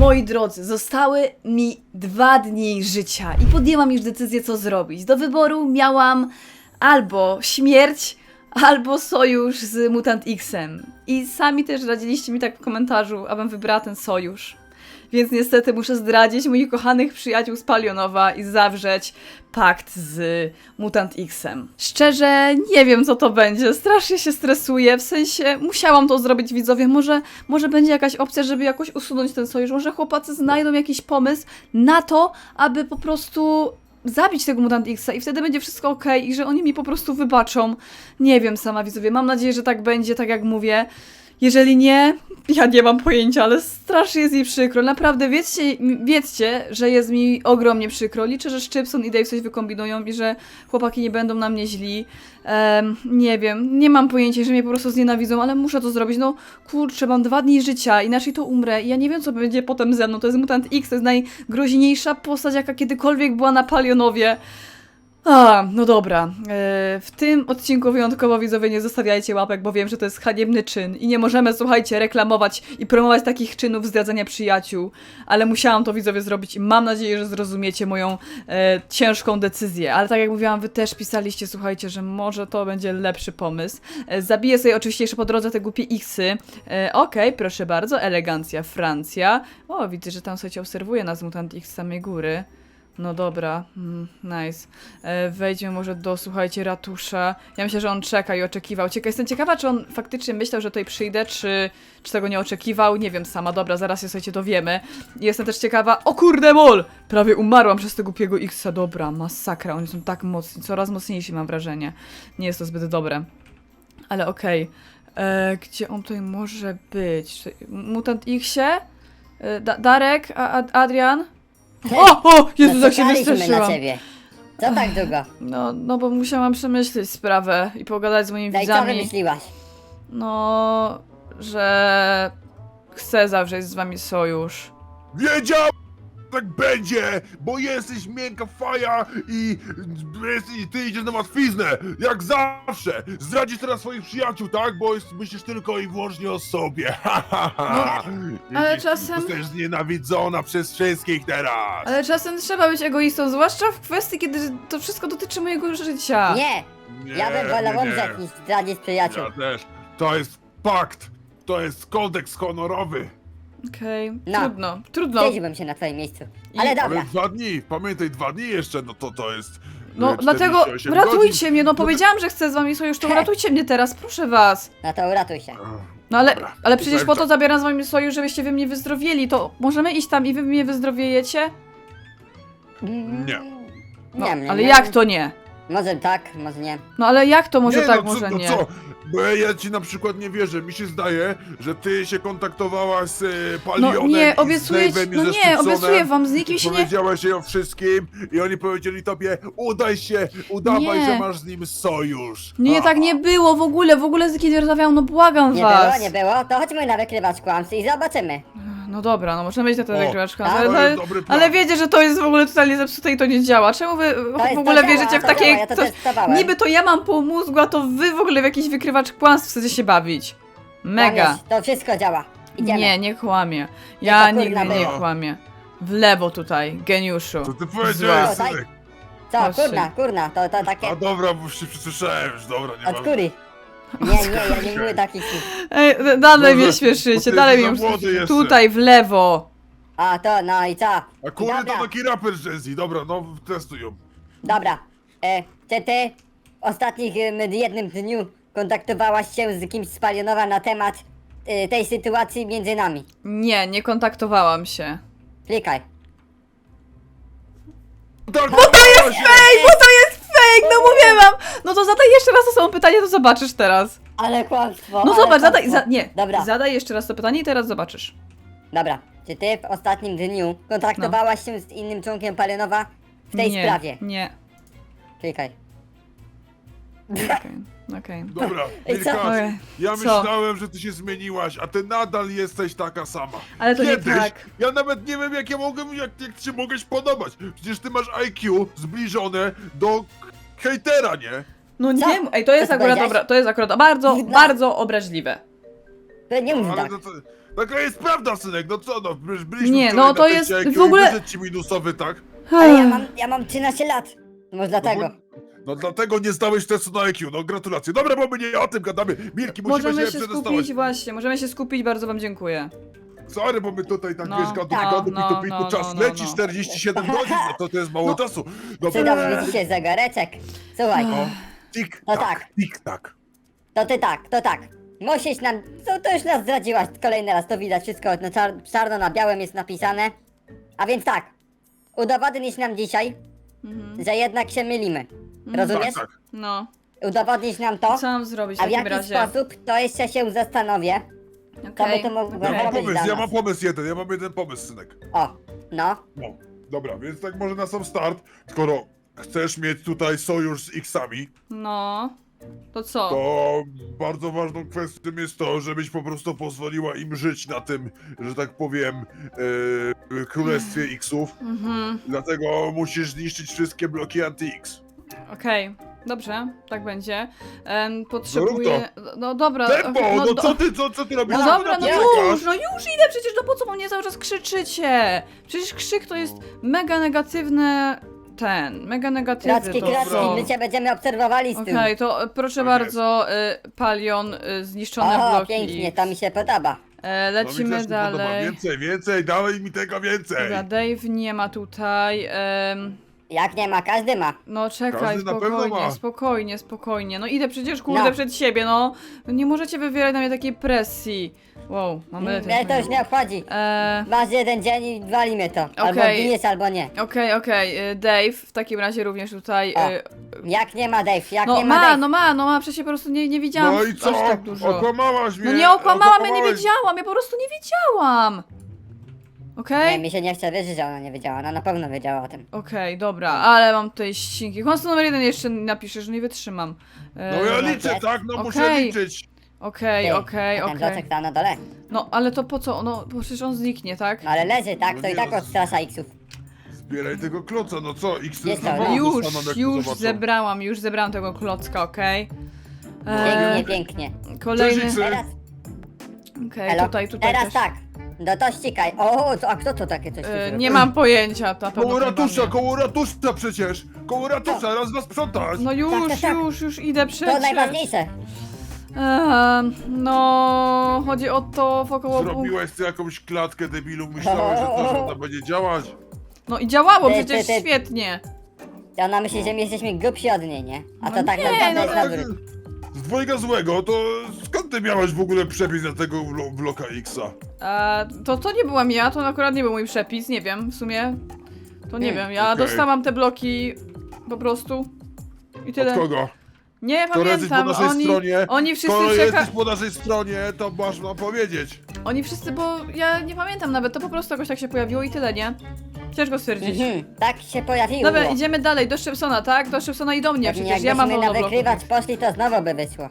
Moi drodzy, zostały mi 2 dni życia i podjęłam już decyzję, co zrobić. Do wyboru miałam albo śmierć, albo sojusz z Mutant X-em. I sami też radziliście mi tak w komentarzu, abym wybrała ten sojusz. Więc niestety muszę zdradzić moich kochanych przyjaciół z Palionowa i zawrzeć pakt z Mutant X-em. Szczerze, nie wiem, co to będzie. Strasznie się stresuję, w sensie musiałam to zrobić, widzowie. Może będzie jakaś opcja, żeby jakoś usunąć ten sojusz. Może chłopacy znajdą jakiś pomysł na to, aby po prostu zabić tego Mutant X-a i wtedy będzie wszystko okej i że oni mi po prostu wybaczą. Nie wiem sama, widzowie. Mam nadzieję, że tak będzie, tak jak mówię. Jeżeli nie, ja nie mam pojęcia, ale strasznie jest mi przykro. Naprawdę, wiedzcie, że jest mi ogromnie przykro. Liczę, że Szczypson i Dave coś wykombinują i że chłopaki nie będą na mnie źli. Nie wiem, nie mam pojęcia, że mnie po prostu znienawidzą, ale muszę to zrobić. No kurczę, mam 2 dni życia, inaczej to umrę i ja nie wiem, co będzie potem ze mną. To jest Mutant X, to jest najgroźniejsza postać, jaka kiedykolwiek była na Palionowie. No dobra. W tym odcinku wyjątkowo, widzowie, nie zostawiajcie łapek, bo wiem, że to jest haniebny czyn i nie możemy, słuchajcie, reklamować i promować takich czynów zdradzania przyjaciół, ale musiałam to, widzowie, zrobić i mam nadzieję, że zrozumiecie moją ciężką decyzję, ale tak jak mówiłam, wy też pisaliście, słuchajcie, że może to będzie lepszy pomysł. Zabiję sobie oczywiście jeszcze po drodze te głupie X-y. Okej, proszę bardzo, elegancja, Francja. O, widzę, że tam, słuchajcie, obserwuje nas Mutant X z samej góry. No dobra, nice. Wejdźmy może do, słuchajcie, ratusza. Ja myślę, że on czeka i oczekiwał. Jestem ciekawa, czy on faktycznie myślał, że tutaj przyjdę, czy tego nie oczekiwał. Nie wiem sama, dobra, zaraz się, słuchajcie, dowiemy. Jestem też ciekawa... O kurde, mol! Prawie umarłam przez tego głupiego X-a. Dobra, masakra, oni są tak mocni, coraz mocniejsi, mam wrażenie. Nie jest to zbyt dobre. Ale okej. Gdzie on tutaj może być? Mutant X-ie? Darek? Adrian? O! Jezus, jak się wystraszyłam. na ciebie. Co tak długo? No bo musiałam przemyśleć sprawę i pogadać z moimi No i co widzami. wymyśliłaś? No, że chcę zawrzeć z wami sojusz. Wiedział, tak będzie, bo jesteś miękka faja i ty idziesz na łatwiznę, jak zawsze. Zdradzisz teraz swoich przyjaciół, tak? Bo myślisz tylko i wyłącznie o sobie. ale Widzisz, czasem- Jesteś znienawidzona przez wszystkich teraz. Ale czasem trzeba być egoistą, zwłaszcza w kwestii, kiedy to wszystko dotyczy mojego życia. Nie! Ja bym wolał umrzeć niż zdradzić przyjaciół. Ja też. To jest pakt. To jest kodeks honorowy. Okej, No. trudno. Wstydziłbym się na twoim miejscu. Ale dobra. Ale 2 dni, pamiętaj, 2 dni jeszcze, no to jest... No 48 dlatego godzin. ratujcie mnie, no No to- powiedziałam, że chcę z wami sojusz, to uratujcie mnie teraz, proszę was. No to uratuj się. No ale, Dobra, ale przecież tutaj po to zabieram z wami sojusz, żebyście wy mnie wyzdrowieli, to możemy iść tam i wy mnie wyzdrowiejecie? Nie. No, Nie, ale jak to nie? Może tak, może nie. No ale jak to może Nie, tak, no co, może no nie? co? Bo ja ci na przykład nie wierzę. Mi się zdaje, że ty się kontaktowałaś z Palionem No nie, i z obiecuję ci, Dave'em i no ze nie, Szczypsonem. obiecuję wam, z nikim się nie... Powiedziałaś jej o wszystkim i oni powiedzieli tobie, udawaj, Nie. że masz z nim sojusz. Nie, tak nie było w ogóle z nikim nie rozmawiałam, no błagam Nie was. było, nie było. To chodźmy na wykrywacz kłamstw i zobaczymy. No dobra, no możemy iść na ten O, wykrywacz tak? To jest dobry plan. ale wiecie, że to jest w ogóle totalnie zepsute i to nie działa. Czemu wy w ogóle to wierzycie działa, w to takie... działa, ja to testowałem. niby to ja mam pół mózgu, a to wy w ogóle w jakiś wykrywacz kłamstw chcecie się bawić. Mega. Kłamiesz, to wszystko działa. Idziemy. Nie, nie kłamie. to Ja kurna nigdy nie było. kłamię. W lewo tutaj, geniuszu. Co ty powiedziałeś, Zła. synek? Co, Patrzcie. kurna, to takie A dobra, bo się przesłyszałem już, dobra, nie od mam. kury. Nie, ja nie mówię takich słów. Ej, dalej mnie Może, bo śmieszycie, ty dalej jesteś mnie za młody jeszcze. tutaj, w lewo. A to, no i co? A kurde Dobra. to taki raper Jazzy, dobra, no testuj ją. Dobra, czy ty w ostatnich jednym dniu kontaktowałaś się z kimś z Palionowa na temat tej sytuacji między nami? Nie kontaktowałam się. Klikaj. Tak, Bo to jest fake, no mówię wam. No to zadaj jeszcze raz to samo pytanie, to zobaczysz teraz. Ale kłamstwo. No ale zobacz, kłamstwo. Dobra, zadaj jeszcze raz to pytanie i teraz zobaczysz. dobra. Czy ty w ostatnim dniu kontaktowałaś się z innym członkiem Palionowa w tej nie, sprawie? Nie, Klikaj. okej. Dobra, Ej, co? Milka, Ojej, ja co? myślałem, że ty się zmieniłaś, a ty nadal jesteś taka sama. Ale to Kiedyś, nie tak. ja nawet nie wiem jak ci mogłeś podobać. Przecież ty masz IQ zbliżone do hejtera, nie? No Co? nie, ej, to jest Co akurat powiedziałeś? dobra, to jest akurat bardzo, No. bardzo obraźliwe. To nie mów Ale tak. Taka jest prawda, synek, no co no, byliśmy Nie, wczoraj no to na jest teście w ogóle- IQ i wyszedł ci minusowy, tak? Ale ja mam 13 lat. Może dlatego. No dlatego nie zdałeś testu na IQ, no gratulacje. Dobra, bo my nie o tym gadamy. Milki, musimy Możemy się się przedostawać. skupić, właśnie, możemy się skupić, bardzo wam dziękuję. Sorry, bo my tutaj tak No, wiesz, gadu, tak, gadu, no, pitu, pitu, no, czas no, leci, no. 47 godzin, no to jest mało czasu. Przydał Dobra, mi dzisiaj zegareczek. Słuchaj, no, tik, No tak, tak. tik, tak. to tak. Musisz nam, to już nas zdradziłaś kolejny raz, to widać wszystko, no czarno na białym jest napisane. A więc tak, udowodnisz nam dzisiaj, że jednak się mylimy. Rozumiesz? Tak, tak. No, Udowodnisz nam to, co mam zrobić w a w takim jaki razie? sposób, to jeszcze się zastanowię. To by Okej, to mogło okej. Ja mam zrobić pomysł, dla ja nas. mam pomysł jeden, ja mam jeden pomysł, synek. O, no. No, dobra, więc tak może na sam start, skoro chcesz mieć tutaj sojusz z X-ami, No, to co? to bardzo ważną kwestią jest to, żebyś po prostu pozwoliła im żyć na tym, że tak powiem, królestwie X-ów. Mhm, Dlatego musisz zniszczyć wszystkie bloki anti-X. okej, dobrze, tak będzie. Rób Potrzebuję... No dobra, Tempo, okej, no do- co ty robisz? No Co ty dobra, no napierasz? już idę, przecież no po co po mnie cały czas krzyczycie? Przecież krzyk to jest mega negatywny mega negatywny Klocki, to klocki, są. my cię będziemy obserwowali z tyłu. Okej, to proszę Tak bardzo, Palion, zniszczone O, bloki. pięknie, to mi się podoba. No mi Lecimy też się podoba. dalej. Więcej, dawaj mi tego więcej. Dobra, Dave nie ma tutaj. Jak nie ma, każdy ma. No czekaj, Każdy na pewno spokojnie, ma. spokojnie. No idę przecież kurde No. przed siebie, no. Nie możecie wywierać na mnie takiej presji. Wow, mamy Mnie to już nie obchodzi. Masz jeden dzień i walimy to. Albo Okej. giniesz, albo nie. Okej, Dave, w takim razie również tutaj. O, Jak nie ma Dave, jak No nie ma Dave. ma, przecież po prostu nie widziałam No i co? aż tak dużo. Okłamałaś mnie. No nie okłamałam, ja nie okłamałeś. wiedziałam, ja po prostu nie wiedziałam. Okej? Nie, mi się nie chce wierzyć, że ona nie wiedziała. Ona na pewno wiedziała o tym. Okej, dobra, ale mam tutaj ścinki. Kłamstwo numer 1 jeszcze napiszę, że nie wytrzymam. No ja no, liczę, tak? No muszę Okej. liczyć. Okej. A ten bloczek tam na dole. No, ale to po co? No, bo przecież on zniknie, tak? No ale leży, tak? No To i nie, tak no. odstrasza X-ów. Zbieraj tego kloca, no co? X Jest znowu to, no. dostaną, jak Już zobaczą. zebrałam tego klocka, okej? Pięknie, pięknie. Kolejny. Cześć, Teraz, Okej, elo, tutaj teraz też. tak. No to ścikaj. O, a kto to takie coś tu zrobił? Nie mam pojęcia, to na pewno Koło chyba ratusza, nie. koło ratusza przecież! Koło ratusza, raz nas sprzątać! No Tak, tak. już idę przecież. To najważniejsze. No, chodzi o to wokoło pół... Zrobiłeś ty jakąś klatkę, debilu, myślałeś, że to, że ona będzie działać? No i działało Ty, przecież ty. świetnie. Ona myśli, że my jesteśmy grubsi od niej, nie? A to No tak nie, naprawdę no jest Tak, na wrót. z dwojga złego, to skąd ty miałeś w ogóle przepis na tego bloka X-a? To nie byłam ja, to akurat nie był mój przepis, nie wiem, w sumie. To nie wiem, ja okej. dostałam te bloki po prostu. I tyle. Od kogo? Nie Skoro jesteś po pamiętam, naszej stronie, oni wszyscy skoro czeka... jesteś po naszej stronie, to masz nam powiedzieć. Oni wszyscy, bo ja nie pamiętam nawet, to po prostu jakoś tak się pojawiło i tyle, nie? Ciężko stwierdzić. Tak się pojawiło. Dobra, idziemy dalej, do Szybsona, tak? Do Szybsona i do mnie, Pewnie przecież ja mam jakbyśmy na monobloku. wykrywać poszli, to znowu by wyszło.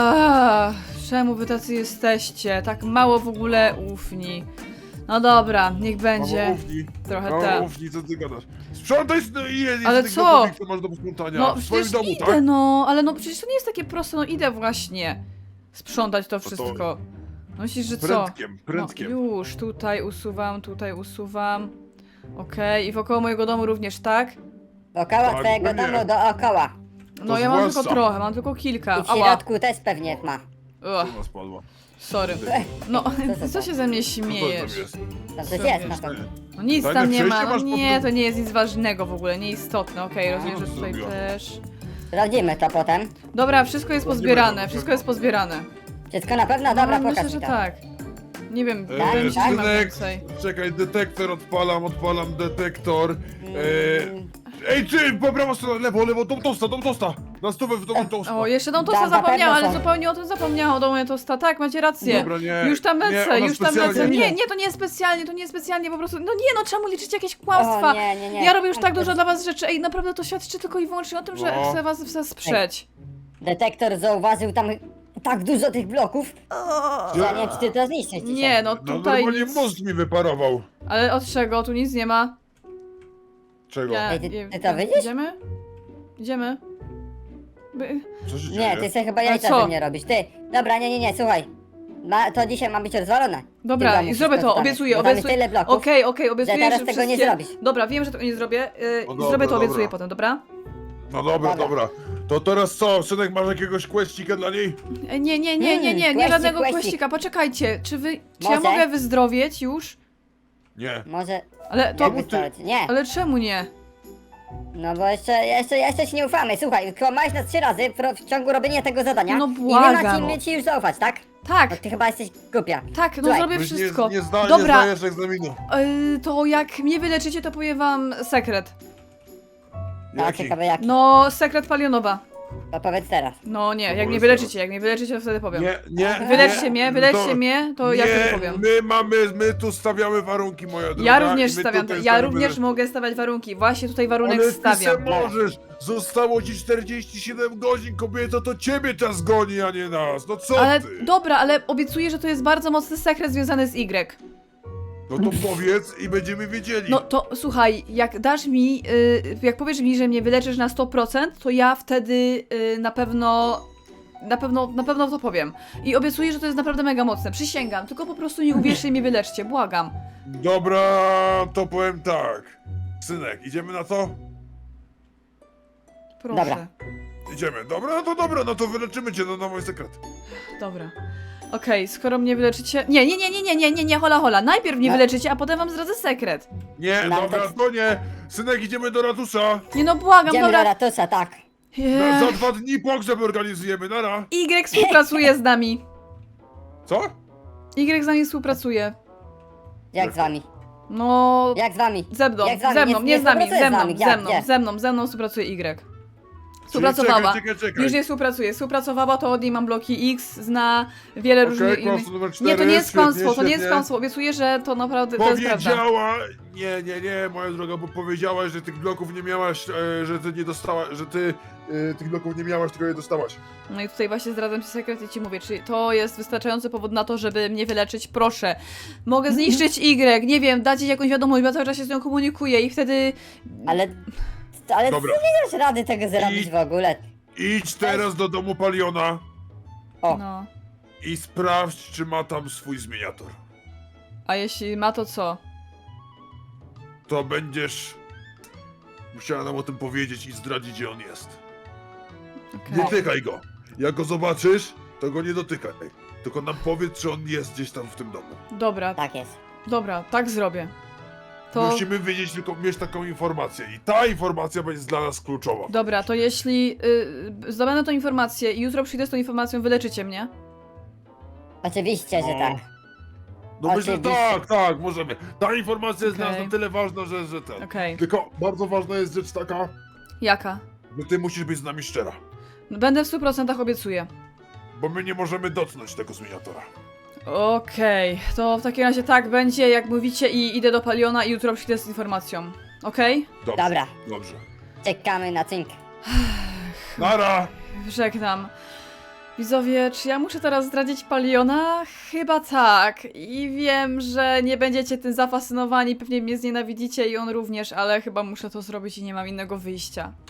Czemu wy tacy jesteście? Tak mało w ogóle ufni. No dobra, niech będzie. Mamo, ufni. Trochę Mamo, tak. ufni, co ty gadasz? Sprzątaj, no i jest Ale tych co? domów, co masz do posprzątania. No w swoim przecież domu, idę, tak? no, ale no przecież to nie jest takie proste, no idę właśnie sprzątać to wszystko. No myślisz, że co? Prędkiem. No, już, tutaj usuwam. Okej, i wokoło mojego domu również, tak? Wokoło Tak, twojego pewnie. domu dookoła. No To ja mam zwłaszcza. tylko trochę, mam tylko kilka. I w Ała. środku też pewnie ma. Ugh, Co nas padło? sorry. No, co się ze mnie Co to śmiejesz? tam jest? Tam coś Co jest na wiesz? pewno. No nic Tajne tam nie ma, przejście no masz pod nie, tym? to nie jest nic ważnego w ogóle, nieistotne, okej, rozumiem, że tutaj zrobiła. też. Sprawdzimy to potem. Dobra, wszystko jest Sprawdzimy pozbierane, to, wszystko jest pozbierane. Wszystko na pewno? Dobra, No, myślę, pokaż że mi to. tak. Nie wiem, E, wydaje mi się, że nie ma synek, więcej. Czekaj, detektor odpalam detektor. Mm, Ej, ty, po prawo stronę, lewo, tą tosta. Na stówę w tą tosta. O, jeszcze tą tosta Tam na zapomniałam, pewno ale są. zupełnie o tym zapomniałam, o tosta. Tak, macie rację. Dobra, nie. Już tam nie, lecę, ona już tam specjalnie- lecę. Nie, to nie jest specjalnie, po prostu. No nie, no czemu liczycie jakieś kłamstwa? O, nie. Ja robię już tak dużo dla was rzeczy. Ej, naprawdę to świadczy tylko i wyłącznie o tym, że No. chcę was wesprzeć. Detektor zauważył tam tak dużo tych bloków, że ja nie wiem, czy ty to zniszczysz dzisiaj. Nie, no No tutaj normalnie nic. mózg mi wyparował. Ale od czego? Tu nic nie ma. Czego? Ej, ty to widzisz? Idziemy? Co się Nie, dzieje? ty sobie chyba A jajca co? ze mnie robisz. Ty, dobra, nie, słuchaj. To dzisiaj ma być rozwalone. Dobra, W tym i domu zrobię wszystko to, zostanie. obiecuję, Bo tam jest obiecuję. tyle bloków. Okej, obiecuję, teraz że tego nie wszystkie... zrobisz. Dobra, wiem, że tego nie zrobię. No Zrobię dobra, to, obiecuję dobra. potem, dobra? No dobra, dobra. To teraz co, synek, masz jakiegoś questika dla niej? Nie Questik, żadnego questik. questika, poczekajcie, czy ja Może? mogę wyzdrowieć już? Nie. Może... Ale to... Jak wystarczy? Nie. Ale czemu nie? No bo jeszcze ci nie ufamy. Słuchaj, kłamałeś nas 3 razy w ciągu robienia tego zadania. No I my błagam. mamy ci już zaufać, tak? Tak, Bo ty chyba jesteś głupia. tak, no Słuchaj, zrobię Byś wszystko. Nie Dobra, zdajesz egzaminu. to jak mnie wyleczycie, to powiem wam sekret. No, Jaki? ciekawe jaki. No, sekret palionowa. To powiedz teraz. No nie, jak powiedz mnie wyleczycie, jak mnie wyleczycie, to wtedy powiem. Nie. Wyleczcie mnie, to ja wtedy nie, powiem. my tu stawiamy warunki, moja droga. Ja również i my stawiam, tutaj ja stawiamy- również mogę stawiać warunki. Właśnie tutaj warunek Ale stawiam. ty se możesz! Zostało ci 47 godzin, kobieto, to ciebie czas goni, a nie nas! No co Ale ty? dobra, ale obiecuję, że to jest bardzo mocny sekret związany z Y. No to powiedz i będziemy wiedzieli. No to słuchaj, jak dasz mi, jak powiesz mi, że mnie wyleczysz na 100%, to ja wtedy na pewno to powiem. I obiecuję, że to jest naprawdę mega mocne. Przysięgam, tylko po prostu nie uwierzcie i mnie wyleczcie, błagam. Dobra, to powiem tak. Synek, idziemy na to? Proszę. Dobra. Idziemy. Dobra, no to wyleczymy cię, no na mój sekret. Dobra. Okej, skoro mnie wyleczycie... Nie, hola. Najpierw mnie No. wyleczycie, a potem wam zdradzę sekret. Nie, No, dobra, to- to nie. Synek, idziemy do ratusza. Nie no, błagam, Idziemy do dobra. ratusza, tak. Za 2 dni pogrzeb organizujemy, nara. Y współpracuje z nami. Co? Y z nami współpracuje. Jak z wami? No... Jak z wami? Ze mną, Jak z wami? ze mną, nie z nami, współpracuje ze mną, Gdzie? ze mną współpracuje Y. Współpracowała. Czekaj. Już nie współpracuje. Współpracowała, to od niej mam bloki X, zna wiele różnych Okej, innych... kłamstwo numer 4, Nie, to nie jest świetnie, kłamstwo, to nie jest świetnie. kłamstwo. Obiecuję, że to naprawdę, to jest prawda. Powiedziała, nie, moja droga, bo powiedziałaś, że tych bloków nie miałaś, że ty nie dostałaś, że ty tych bloków nie miałaś, tylko je dostałaś. No i tutaj właśnie zdradzam ci sekret i ci mówię, czy to jest wystarczający powód na to, żeby mnie wyleczyć? Proszę. Mogę zniszczyć Y, nie wiem, dać jej jakąś wiadomość, bo ja cały czas się z nią komunikuję i wtedy... Ale Dobra. ty nie dasz rady tego zrobić I- w ogóle. Idź teraz do domu Paliona O. No. i sprawdź, czy ma tam swój zmieniator. A jeśli ma, to co? To będziesz musiała nam o tym powiedzieć i zdradzić, gdzie on jest. Okej. Nie tykaj go. Jak go zobaczysz, to go nie dotykaj. Tylko nam powiedz, czy on jest gdzieś tam w tym domu. Dobra, Tak jest. dobra, tak zrobię. To... Musimy wiedzieć, tylko mieć taką informację. I ta informacja będzie dla nas kluczowa. Dobra, to jeśli zdobędę tą informację i jutro przyjdę z tą informacją, wyleczycie mnie? Oczywiście, że tak. No myślę, że Oczywiście. tak, możemy. Ta informacja jest dla nas Okej. na tyle ważna, że ten. Okej. Tylko bardzo ważna jest rzecz taka, Jaka? że ty musisz być z nami szczera. Będę w 100% obiecuję. Bo my nie możemy dotknąć tego zmieniatora. Okej, to w takim razie tak będzie, jak mówicie, i idę do Paliona i jutro przyjdę z informacją. Okej? Dobrze. Dobra. Dobrze. Czekamy na cynk. Nara! Żegnam. Widzowie, czy ja muszę teraz zdradzić Paliona? Chyba tak. I wiem, że nie będziecie tym zafascynowani, pewnie mnie znienawidzicie i on również, ale chyba muszę to zrobić i nie mam innego wyjścia.